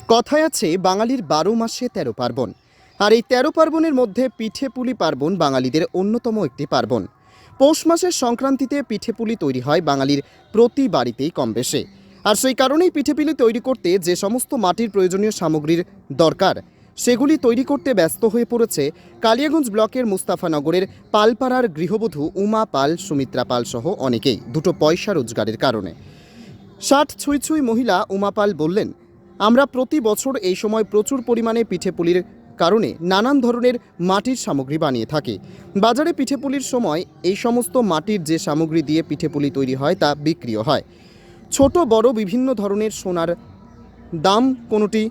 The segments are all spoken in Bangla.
কথায় আছে বাঙালির ১২ মাসে ১৩ পার্বণ। আর এই ১৩ পার্বণের মধ্যে পিঠেপুলি পার্বণ বাঙালিদের অন্যতম একটি পার্বণ। পৌষ মাসের সংক্রান্তিতে পিঠেপুলি তৈরি হয় বাঙালির প্রতি বাড়িতেই কম বেশি। আর সেই কারণেই পিঠেপুলি তৈরি করতে যে সমস্ত মাটির প্রয়োজনীয় সামগ্রীর দরকার সেগুলি তৈরি করতে ব্যস্ত হয়ে পড়েছে কালিয়াগঞ্জ ব্লকের মুস্তাফানগরের পালপাড়ার গৃহবধূ উমা পাল, সুমিত্রা পাল সহ অনেকেই দুটো পয়সা রোজগারের কারণে। ৬০ ছুঁই ছুঁই মহিলা উমা পাল বললেন, আমরা প্রতি বছর এই সময় প্রচুর পরিমাণে পিঠেপুলির কারণে নানান ধরনের মাটির সামগ্রী বানিয়ে থাকি। বাজারে পিঠেপুলির সময় এই সমস্ত মাটির যে সামগ্রী দিয়ে পিঠেপুলি তৈরি হয় তা বিক্রিও হয়। ছোট বড় বিভিন্ন ধরনের সোনার দাম কোনোটি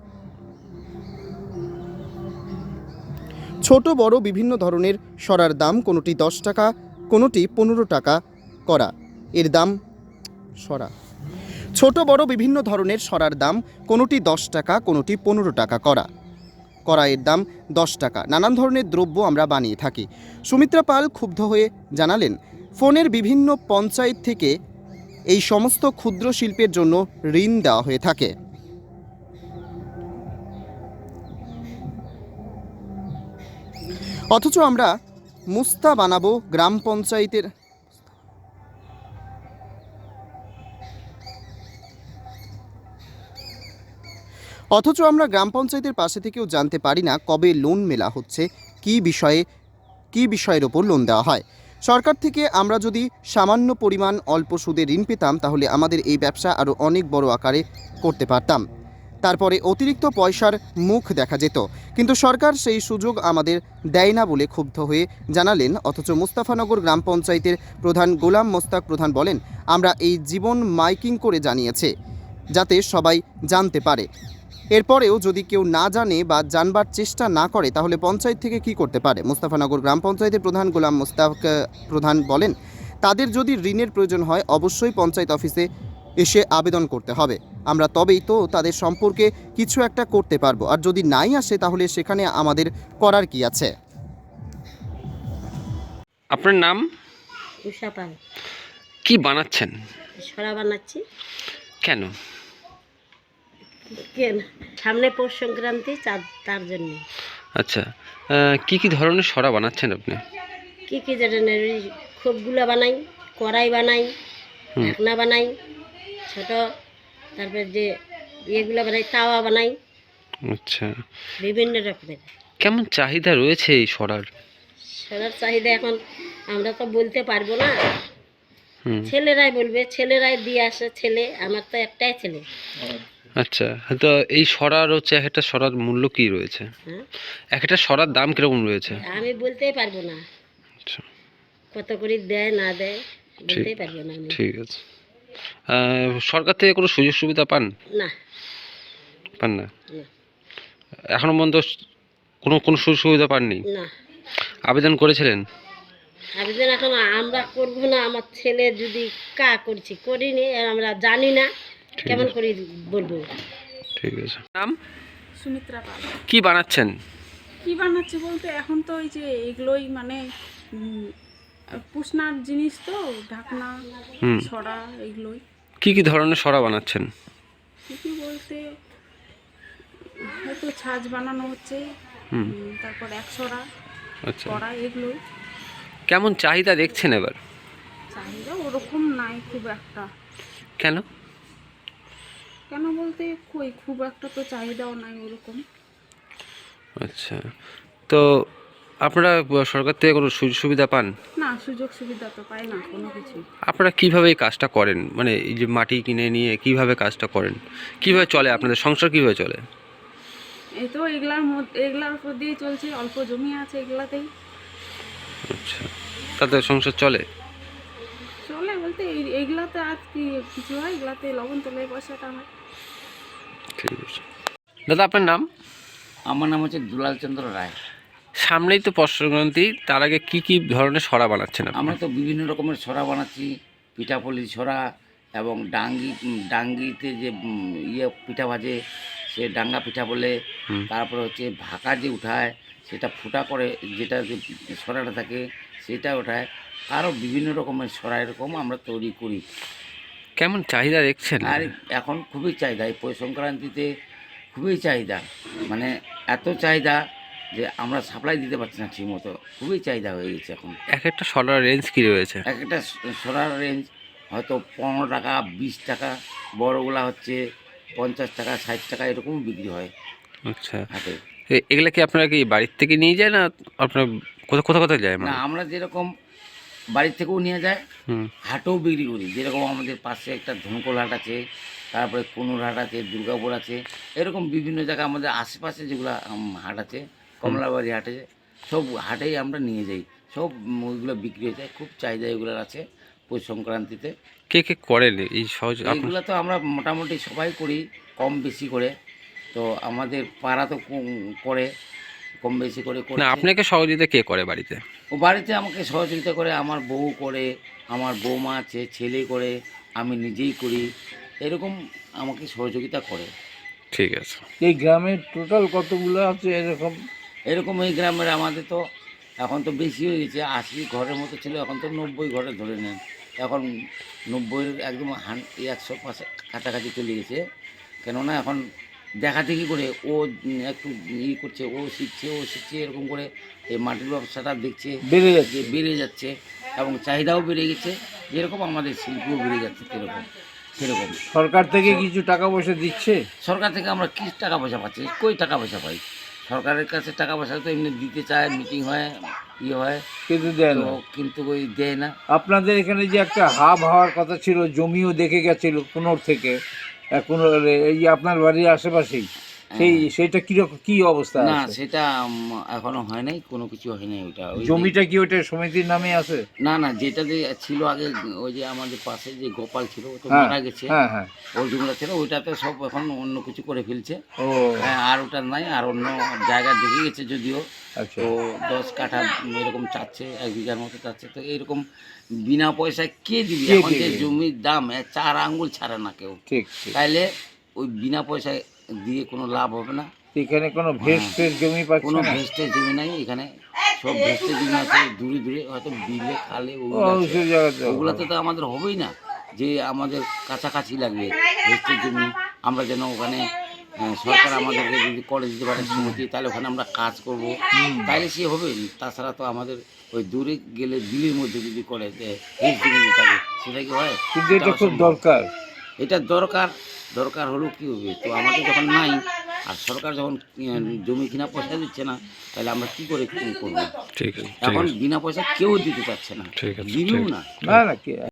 ছোট বড় বিভিন্ন ধরনের সরার দাম কোনোটি ১০ টাকা, কোনোটি ১৫ টাকা করা। এর দাম সরা ছোট বড় বিভিন্ন ধরনের সরার দাম কোনোটি ১০ টাকা, কোনোটি ১৫ টাকা কড়াইয়ের দাম ১০ টাকা। নানান ধরনের দ্রব্য আমরা বানিয়ে থাকি। সুমিত্রা পাল ক্ষুব্ধ হয়ে জানালেন, ফোনের বিভিন্ন পঞ্চায়েত থেকে এই সমস্ত ক্ষুদ্র শিল্পের জন্য ঋণ দেওয়া হয়ে থাকে। অথচ আমরা মুস্তা বানাবো গ্রাম পঞ্চায়েতের গ্রাম পঞ্চায়েতের পাশে থেকেও জানতে পারি না কবে লোন মেলা হচ্ছে, কী বিষয়ের ওপর লোন দেওয়া হয়। সরকার থেকে আমরা যদি সামান্য পরিমাণ অল্প সুদে ঋণ পেতাম তাহলে আমাদের এই ব্যবসা আরও অনেক বড় আকারে করতে পারতাম। তারপরে অতিরিক্ত পয়সার মুখ দেখা যেত, কিন্তু সরকার সেই সুযোগ আমাদের দেয় না বলে ক্ষুব্ধ হয়ে জানালেন। অথচ মুস্তাফানগর গ্রাম পঞ্চায়েতের প্রধান গোলাম মোস্তাক প্রধান বলেন, আমরা এই জীবন মাইকিং করে জানিয়েছে যাতে সবাই জানতে পারে। এরপরেও যদি কেউ না জানে বা জানবার চেষ্টা না করে তাহলে পঞ্চায়েত থেকে কি করতে পারে। মুস্তাফানগর গ্রাম পঞ্চায়েতের প্রধান গোলাম মোস্তাক প্রধান বলেন, তাদের যদি ঋণের প্রয়োজন হয় অবশ্যই পঞ্চায়েত অফিসে এসে আবেদন করতে হবে, আমরা তবেই তো তাদের সম্পর্কে কিছু একটা করতে পারবো। আর যদি নাই আসে তাহলে সেখানে আমাদের করার কি আছে। আপনার নাম? উষা পাল। কি বানাচ্ছেন? সরা বানাচ্ছি। কেন? কেন? সামনে পৌষ সংক্রান্তি, তার জন্য। আচ্ছা, কি ধরনের সরা বানাচ্ছেন আপনি? কি ধরনের? খোপগুলো বানাই, কড়াই বানাই, ঢাকনা বানাই, ছোট, তারপর যে ইয়েগুলো বানাই, তাওয়া বানাই। আচ্ছা, বিভিন্ন রকমের। কেমন চাহিদা রয়েছে এই সরার? সরার চাহিদা এখন আমরা তো বলতে পারবো না, ছেলেরাই বলবে, ছেলেরাই দিয়ে আসে। ছেলে, আমার তো একটাই ছেলে। আচ্ছা, তো এই সরার হচ্ছে একটা সরার মূল্য কি রয়েছে? একটা সরার দাম কিরকম রয়েছে? আমি বলতেই পারবো না। আচ্ছা, কত করে দেয় না দেয় বলতেই পারবো না আমি। ঠিক আছে। সরকার থেকে কোনো সুযোগ সুবিধা পান? না, পান না? এখনো পর্যন্ত কোনো সুযোগ সুবিধা পাননি? না। আবেদন করেছিলেন? আবেদন এখন আমরা করবো না, আমার ছেলে যদি করছি, করিনি, আর আমরা জানি না কেমন করে বলবো। ঠিক আছে। নাম? সুমিত্রা পাল। কি বানাচ্ছেন? কি বানাচ্ছি বলতে এখন তো ওই যে এগুলোই মানে পুষনার জিনিস, তো ঢাকনা, ছড়া, এগুলোই। কি ধরনের সরা বানাচ্ছেন? কি বলতে হয়তো ছাঁচ বানানো হচ্ছে, তারপর একশরা, আচ্ছা, কড়া, এগুলোই। কেমন চাহিদা দেখছেন এবার? চাহিদা ওরকম নাই খুব একটা। কেন? কেন বলতে খুব একটা তো চাহিদাও নাই ওরকম। আচ্ছা, তো আপনারা সরকার থেকে কোনো সুযোগ সুবিধা পান? না, সুযোগ সুবিধা তো পাই না কোনো কিছু। আপনারা কিভাবে এই কাজটা করেন? মানে এই যে মাটি কিনে নিয়ে কিভাবে কাজটা করেন? কিভাবে চলে আপনাদের সংসার, কিভাবে চলে? এই তো এগুলার উপর দিয়ে চলছে, অল্প জমি আছে এগুলাতেই। আচ্ছা, তাদের সংসার চলে বলতে এইগুলাতে আর কি কিছু হয়, এগুলাতে লবণ তোলে পয়সাটা হয়। ঠিক আছে। দাদা, আপনার নাম? আমার নাম হচ্ছে দুলাল চন্দ্র রায়। সামনেই তো পৌষ সংক্রান্তি, তার আগে কি ধরনের সরা বানাচ্ছেন আপনি? আমরা তো বিভিন্ন রকমের ছড়া বানাচ্ছি, পিঠাপুলি ছড়া, এবং ডাঙ্গিতে যে পিঠা ভাজে সে ডাঙ্গা পিঠা বলে। তারপরে হচ্ছে ভাকা যে উঠায় সেটা ফুটা করে, যেটা যে ছড়াটা থাকে সেটা ওঠায়। আরও বিভিন্ন রকমের ছড়া এরকম আমরা তৈরি করি। কেমন চাহিদা দেখছেন? আর এখন খুবই চাহিদা, এই পৌষ সংক্রান্তিতে খুবই চাহিদা, মানে এত চাহিদা যে আমরা সাপ্লাই দিতে পারছি না ঠিক মতো, খুবই চাহিদা হয়ে গেছে এখন। এক একটা সরার রেঞ্জ কি রয়েছে? এক একটা সরার রেঞ্জ হয়তো 15 টাকা 20 টাকা, বড়গুলা হচ্ছে 50 টাকা 60 টাকা এরকম বিক্রি হয় আচ্ছা, হাটে। এগুলা কি আপনারা কি বাড়ির থেকে নিয়ে যায় না আপনার কোথায় কোথায় যায় না, মানে? আমরা যেরকম বাড়ির থেকেও নিয়ে যায়, হুম, হাটেও বিক্রি করি। যেরকম আমাদের পাশে একটা ধনকোল হাট আছে, তারপরে কুনুর হাট আছে, দুর্গাপুর আছে, এরকম বিভিন্ন জায়গা আমাদের আশেপাশে যেগুলো হাট আছে, কমলাবাড়ি হাটে, সব হাটেই আমরা নিয়ে যাই। সব ওইগুলো বিক্রি হয়ে যায়, খুব চাহিদা এগুলোর আছে পৌষ সংক্রান্তিতে। কে কে করেন এই সহজ আপনার? এইগুলো তো আমরা মোটামুটি সবাই করি কম বেশি করে। তো আমাদের পাড়া তো করে কম বেশি করে না, করছে। আপনাকে সহযোগিতা কে করে বাড়িতে? ও বাড়িতে আমাকে সহযোগিতা করে, আমার বউ করে, আমার বৌমা আছে, ছেলে করে, আমি নিজেই করি, এরকম আমাকে সহযোগিতা করে। ঠিক আছে। এই গ্রামের টোটাল কতগুলো আছে এরকম? এরকম এই গ্রামের আমাদের তো এখন তো বেশি হয়ে গেছে, 80 ঘরের মতো ছিল, এখন তো 90 ঘরে ধরে নেন। এখন 90-এর একদম 100 পাশে কাছাকাছি চলে গেছে। কেননা এখন দেখা দেখি করে ও একটু করছে, ও শিখছে এরকম করে এই মাটির ব্যবসাটা দেখছে বেড়ে যাচ্ছে। যে বেড়ে যাচ্ছে এবং চাহিদাও বেড়ে গেছে, যেরকম আমাদের শিল্পও বেড়ে যাচ্ছে সেরকম। সরকার থেকে কিছু টাকা পয়সা দিচ্ছে? সরকার থেকে আমরা কি টাকা পয়সা পাচ্ছি? কই টাকা পয়সা পাই? সরকারের কাছে টাকা পয়সা তো এমনি দিতে চায়, মিটিং হয়, ইয়ে হয়, কিন্তু দেয় তো না। কিন্তু ওই দেয় না। আপনাদের এখানে যে একটা হাব হওয়ার কথা ছিল, জমিও দেখে গেছিল কোনোর থেকে, কোনোর এই যে আপনার বাড়ির আশেপাশেই, সেইটা কিরকম কি অবস্থা না, আছে? সেটা এখনো হয় নাই, কোনো কিছু হয় নাই। ওইটা ওই জমিটা কি ওইটা সমিতির নামে আছে? না, যেটা যে ছিল আগে, ওই যে আমাদের পাশে যে গোপাল ছিল, ও তো হ্যাঁ মারা গেছে, হ্যাঁ হ্যাঁ। ওর জমিটা ছিল, ওইটাতে সব এখন অন্য কিছু করে ফেলছে। ও হ্যাঁ, আর ওটা নাই, আর অন্য জায়গা দেখে গেছে যদিও। আচ্ছা, তো 10 কাঠা এরকম চাচ্ছে, 1 বিঘার মতো চাচ্ছে। তো এরকম বিনা পয়সায় কে দিবি? কে এখন যে দিবে? জমির দাম 4 আঙ্গুল ছাড়ে না কেউ, ঠিক ঠিক। তাইলে ওই বিনা পয়সায় দিয়ে কোনো লাভ হবে না। এখানে কোনো ভেস্টের জমি পাচ্ছে কোনো না? ভেস্টের জমি নাই এখানে, সব ভেস্টের জমি আছে দূরে দূরে, হয়তো বিলে খালে ও ওগুলো আছে। সেই জায়গাতে ওগুলোতে তো আমাদের হবেই না, যে আমাদের কাছাকাছি লাগবে ভেস্টের জমি। আমরা যেন ওখানে সরকার আমাদেরকে যদি করে দিতে পারে সমিতি, তাহলে ওখানে আমরা কাজ করব, তাহলে সে হবে। তাছাড়া তো আমাদের ওই দূরে গেলে বিলের মধ্যে যদি করে যে ভেস্ট জমি থাকে, সেটা কি হয়? কিন্তু এটা খুব অসম্ভব। দরকার। এটা দরকার হলেও কী হবে? তো আমাদের যখন নাই, আর সরকার যখন জমি কিনা পয়সা দিচ্ছে না, তাহলে আমরা কি করে করবো? ঠিক আছে, ঠিক এখন আছে, বিনা পয়সা কেউ দিতে চাচ্ছে না, ঠিক আছে, দিবেও ঠিক আছে। না। না না কি